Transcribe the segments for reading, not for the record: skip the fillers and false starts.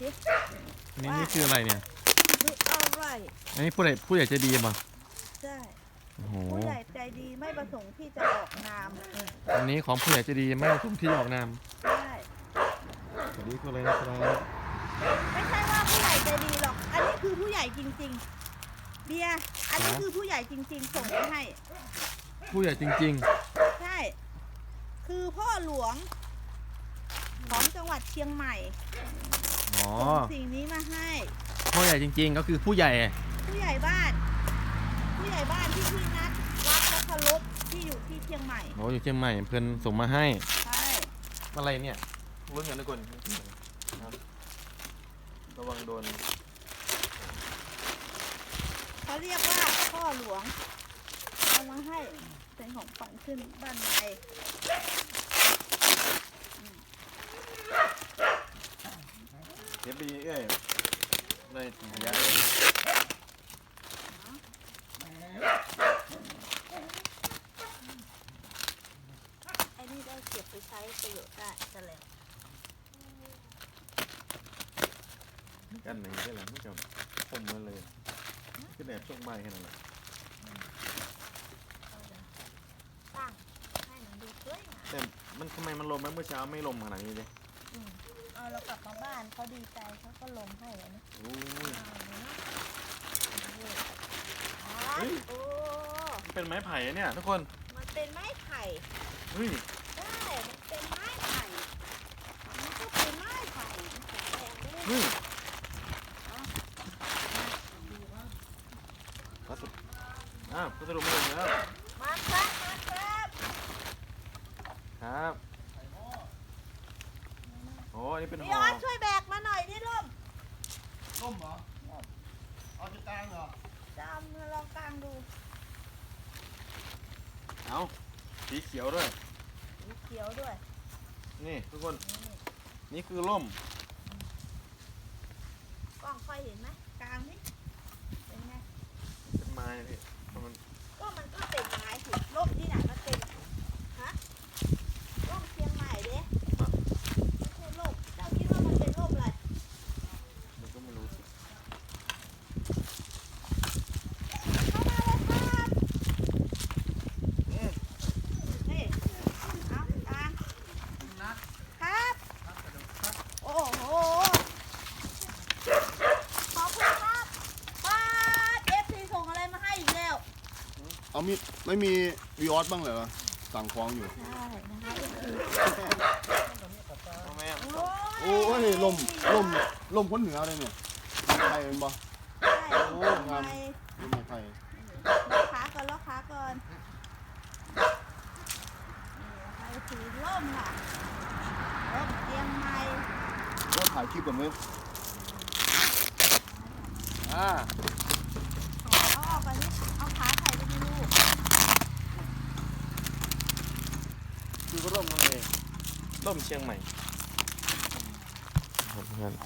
สินี่คืออะไรเนี่ยคืออะไรอันนี้ผู้ใหญ่ใจดีป่ะใช่โอ้โหผู้ใหญ่ใจดีไม่ประสงค์ที่จะออกนามอันนี้ของผู้ใหญ่ใจดีไม่ประสงค์ที่จะออกนามใช่สวัสดีคุณเลยนะครับไม่ใช่ว่าผู้ใหญ่ใจดีหรอกอันนี้คือผู้ใหญ่จริงๆเบียร์อันนี้คือผู้ใหญ่จริงๆส่งมาให้ผู้ใหญ่จริงใช่คือพ่อหลวงของจังหวัดเชียงใหม่อ๋อส่งสิ่งนี้มาให้ผู้ใหญ่จริงๆก็คือผู้ใหญ่ผู้ใหญ่บ้านที่พี่นัดรักและเคารพที่อยู่ที่เชียงใหม่โอ้อยู่เชียงใหม่เพื่อนส่งมาให้ใช่อะไรเนี่ยลุ้นกันทุกคนระวังโดนเขาเรียกว่าพ่อหลวงเอามาให้เป็นของขวัญขึ้นบ้านใหม่เก็บไปเอ้ยเลยระยะไอ้นี่ได้เก็บไปใช้ประโยชน์ได้จะแล้วกันไหนได้แล้วไม่จำคมมาเลยก็แบบช่วงใบแค่นั้นแหละตั้งให้มันดูสวยงามแต่มันทำไมมันลมเมื่อเช้าไม่ลมขนาดนี้เลยเอาเรากลับมาบ้านเขาดีใจเขาก็ลมให้เลยนะโอ้ยโอ้เป็นไม้ไผ่เนี่ยทุกคนมันเป็นไม้ไผ่เฮ้ยใช่มันเป็นไม้ไผ่มันก็เป็นไม้ไผ่เฮ้ยพัสดุมาแล้วมาครับมาครับครับโอ้อันนี้เป็นห่อพี่ออสช่วยแบกมาหน่อยดิล่มเหรอเอาจะกลางเหรอจะเอามาลองกลางดูเอาสีเขียวด้วยสีเขียวด้วยนี่ทุกคนนี่คือร่มกล้องค่อยเห็นไหมกลางนี่เป็นไงเป็นไม้พี่มันก็เป็นไม้สิร่มที่ไหนมันเป็นฮะร่มเชียงใหม่เด้ไม่ใช่ร่มเจ้าคิดว่ามันเป็นร่มอะไรมันก็ไม่รู้สิเข้ามาเลยครับนี่เอากลางครับโอ้โหขอบคุณครับป้าเอฟซีส่งอะไรมาให้อีกแล้วเอาไม่มีวีออสบ้างเหรอสั่งของอยู่ใช่นะคะทำไมอ่ะโอ้ยลมพ้นเหนือเลยเนี่ยไทยเป็นบ่ใช่โอ้งามลมไทยล็อกขาก่อนไทยสีร่มค่ะร่มเชียงใหม่ก็ถ่ายคลิปก่อนเว้ยเอาออกกันนี่เอาขาใส่ไปในลูกคือก็ร่มนั่นเองร่มเชียงใหม่ครับเพื่อน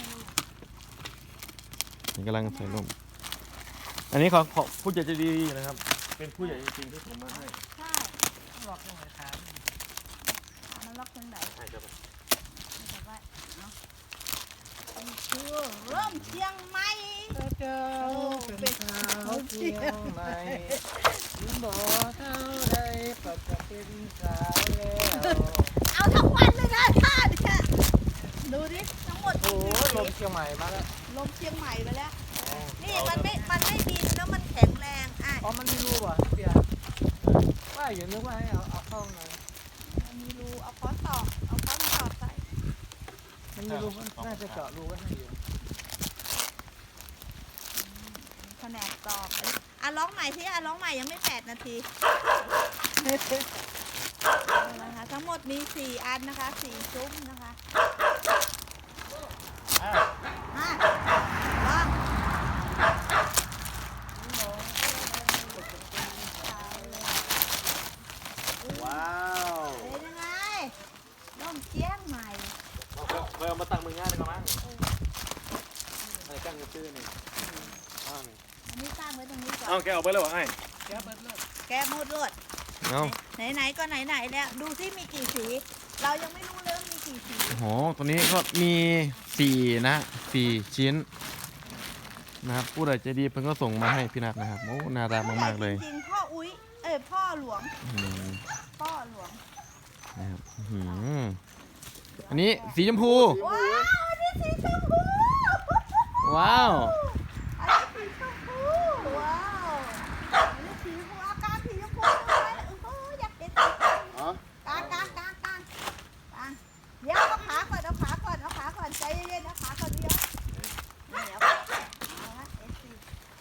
นี่กำลังใส่ร่มอันนี้ของผู้ใหญ่ใจดีนะครับเป็นผู้ใหญ่จริงๆที่ผมมาให้ใช่ล็อกยังไงครับมันล็อกตรงไหนใช่ครับแต่ว่าเนาะนี่คือร่มเชียงใหม่เจ้าเป็นสาวเชียงใหม่บ่เท่าใดก็จะเป็นสาวแล้วเอาทั้งวันเลยนะท่าเนี่ยดูดิทั้งหมดโอ้ลมเชียงใหม่มาแล้วลมเชียงใหม่ไปแล้วนี่มันไม่บินแล้วมันแข็งแรงอ๋อมันมีรูป่ะเบียร์ว่าอย่างนึกว่าให้เอาเข้าหน่อยมันมีรูเอาค้อนตอกใส่มันมีรูน่าจะเจาะรูกันให้อยู่แผนกตอกร้องใหม่สิร้องใหม่ยังไม่8 นาทีนะคะทั้งหมดมี4 อันนะคะ4 ซุ้มนะคะลองว้าวเป็นยังไงร่มเชียงใหม่เอามาตั้งมือง่ายเลยครับมั้งอะไรตั้งกระตื้อนี่อันนี้ตั้งไว้ตรงนี้ก่อนเอาแกเอาไปเลยวะไอ้แกเบิดเลยแกหมดเลยไหนก็ไหนแล้วดูซิมีกี่สีเรายังไม่รู้เลยมีกี่สีโอ้โหตัวนี้ก็มี4นะ4ชิ้นนะครับผู้ใดใจดีเพิ่นก็ส่งมาให้พี่นัทนะครับโอ้น่ารักมากๆเลยจริงๆพ่ออุ้ยพ่อหลวงอืมพ่อหลวงนะครับอันนี้สีชมพูว้าวอันนี้สีชมพูว้าวอันนี้สีชมพูว้าวอันนี้สีชมพูอากาศสีชมพูเลยโอ้โหอยากเห็นสีชมพูอ๋อกางเดี๋ยวเอาขาก่อนใจเย็นๆนะขาก่อนเดี๋ยวนี่เอาละเอสซี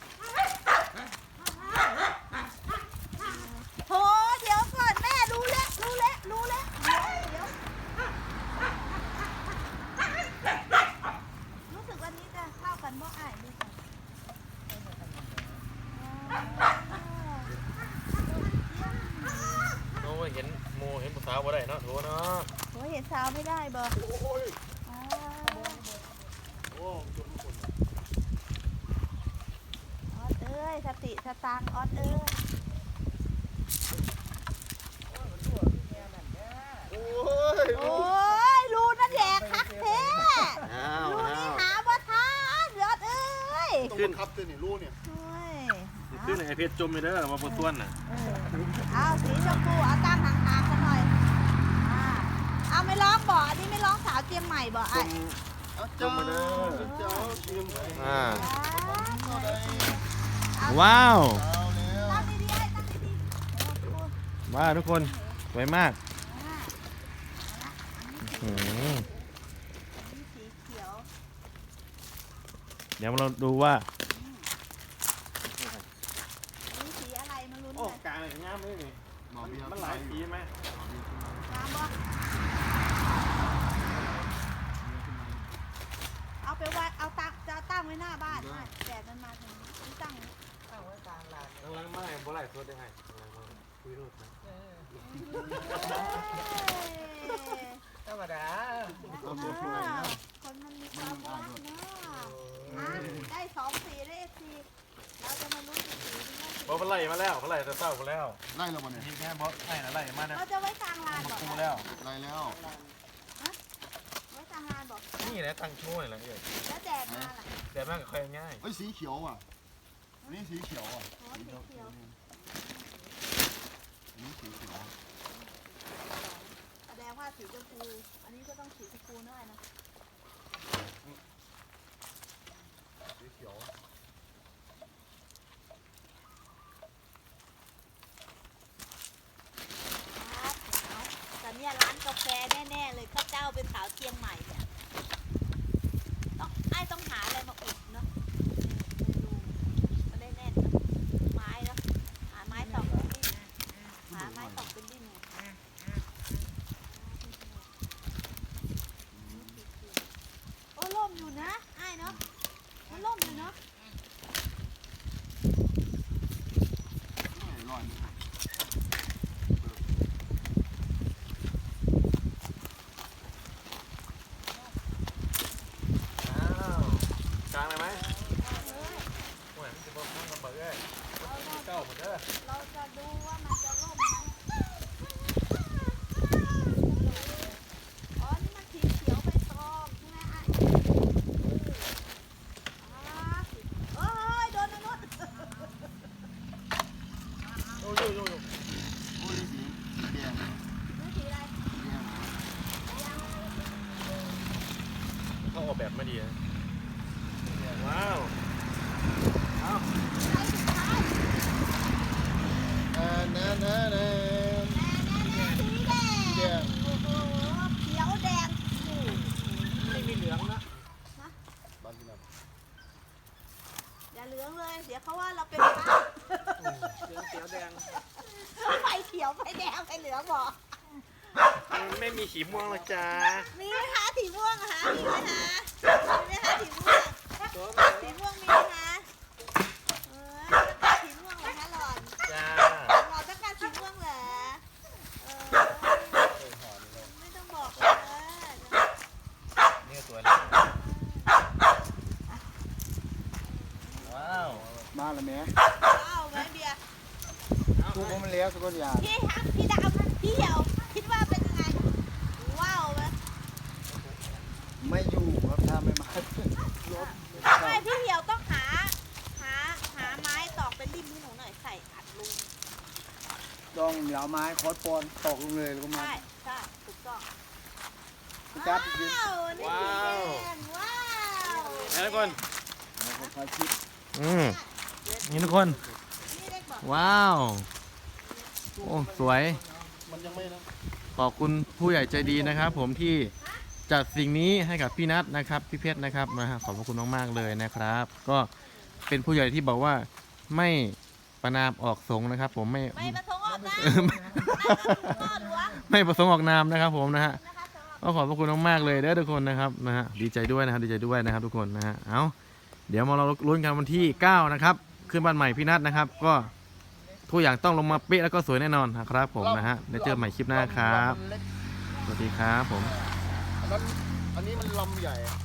โหเดี๋ยวก่อนแม่รู้แล้วเดี๋ยวรู้สึกวันนี้จะเข้ากันบ่อ้ายดูก่อนโอ้เห็นโมเห็นผู้สาวบ่ได้เนาะโถเนาะโหเห็นสาวไม่ได้บ่โอ้ยอ่าโอ้จนคนออดเอ้ยสติสตางค์ออดเอ้ยโอ้ยโอ้ยรูนั่นแหละคักแท้อ้าวรูอ้านี่วหาบ่ทันยอดเอ้ยต้องบังคับตัวนี่รู้เนี่ยโอ้ยขึ้นไอเพชรจมไปเด้อมาบ่ต้วนน่ะเอาสีชมพูเอาตั้งห่างๆกันหน่อยเอาไม่ร้องบ่อันนี้ไม่ร้องสาวเจียงใหม่บ่ไอ้เจ้าเจ้าเชียงใหม่อ่าเอาว้าวเอาแล้วตั้งดีๆไอ้ตั้งดีๆโอ้โหว้าวทุกคนสวยมากอ่าอืมอันนี้สีเขียวเดี๋ยวเราดูว่าอันนี้สีอะไรมาลุ้นโอ้กันกลางเลยงามเลยนี่หมอเบียร์มันหลายสีไหมน้ำบ่เอาไปไว้เอาตั้งจะเอาตั้งไว้หน้าบ้านไม่แดดมันมาถึงนี่ตั้งตั้งไว้กลางลานกำลังไม่บ่ไหลสดได้ไงคุยรูดนะธรรมดาคนมันมีความรักเนาะได้2 สีได้สีเราจะมาลุ้นสีนี้บ่ไหลมาแล้วบ่ไหลแต่เศร้ามาแล้วไล่แล้วบ่เนี่ยนี่แค่บ่ไหลนะไหลมานะเราจะไว้กลางลานมาบอกคูแล้วไล่แล้วไว้กลางลานบอกนี่แหละตั้งช่วยแหละเอ้ยแล้วแดดมาล่ะแต่แม่งก็ค่อยง่ายเฮ้ยสีเขียวอ่ะนี่สีเขียวอ่ะโอ้สีเขียวนี่สีเขียวแสดงว่าสีชมพูอันนี้ก็ต้องสีชมพูด้วยนะสีเขียวแต่เนี่ยร้านกาแฟแน่ๆเลยข้าเจ้าเป็นสาวเชียงใหม่เนี่ยต้องหาอะไรมาอุดเนาะมันได้แน่นไม้เนาะหาไม้ตอกเป็นดิ้นหาไม้ตอกเป็นดิ้นโอ้ล่มอยู่นะไอ้เนาะมันล่มอยู่เนาะไม่ร้อนอ้าวกลางเลยไหมโอ้ยมันจะบ่มันก็บ่เอ้ยเก้าหมดเด้อเราจะดูว่ามันจะล่มไหมอ๋อนี่มันสีเขียวใบตองใช่ไหมไอ้โอ้ยโดนนะนุชโอ้ยโยโอ้ยสีแดงนี่สีอะไรแดงเขาออกแบบมาดีนะว้าวใช้สุดท้ายแน่แน่แน่แน่สีแดแดงงโอ้โหเขียวแดงโอ้ไม่มีเหลืองนะบ้านที่นั่นอย่าเหลืองเลย เดี๋ยวเขาว่าเราเป็นพระเหลืองเขียวแดงไฟเขียวไฟแดงไฟเหลืองบอกมันไม่มีขีม่วงหรอกจ้ามีไหมคะสีม่วงอะคะมีไหมคะมีไหมคะสีม่วงตัวสีม่วงมีไหมคะสีม่วงเหรอคะหลอนจ้าหลอนต้องการสีม่วงเหรอไม่ต้องบอกเลยนี่ตัวนี้ว้าวมาแล้วแม่ว้าวไหมเบียร์ทุกคนมันเลี้ยงสักคนอย่างพี่ฮักพี่ดาวพี่เหี่ยวคิดว่าเป็นยังไงว้าวไหมนี่เอาไม้คอสปอนตอกลงเลยแล้วก็มาใช่ใช่ถูกต้องจับว้าวนี่สีแดงว้าวทุกคนคอยคิดนี่ทุกคนนี่เล็กบอกว้าว โอ้ สวยมันยังไม่นะขอบคุณผู้ใหญ่ใจดีนะครับ ผมที่จัดสิ่งนี้ให้กับพี่นัทนะครับ พี่เพชรนะครับนะฮะขอบพระคุณมากๆเลยนะครับ ก็เป็นผู้ใหญ่ที่บอกว่าไม่ประนามออกสงฆ์นะครับ ผมไม่ไม่ประสงค์ออกนะพ่อหลวงไม่ประสงค์ออกนามนะครับ ผมนะฮะนะคะสำหรับก็ขอบพระคุณมากๆเลยเด้อทุกคนนะครับนะฮะดีใจด้วยนะครับดีใจด้วยนะครับทุกคนนะฮะเอาเดี๋ยวมาเราลุ้นกันวันที่9นะครับขึ้นบ้านใหม่พี่นัทนะครับ ก็ทุกอย่างต้องลงมาเป๊ะแล้วก็สวยแน่นอนนะครับผมนะฮะได้เจอใหม่คลิปหน้าครับมันเล็กสวัสดีครับผมอันนี้มันลำใหญ่อะ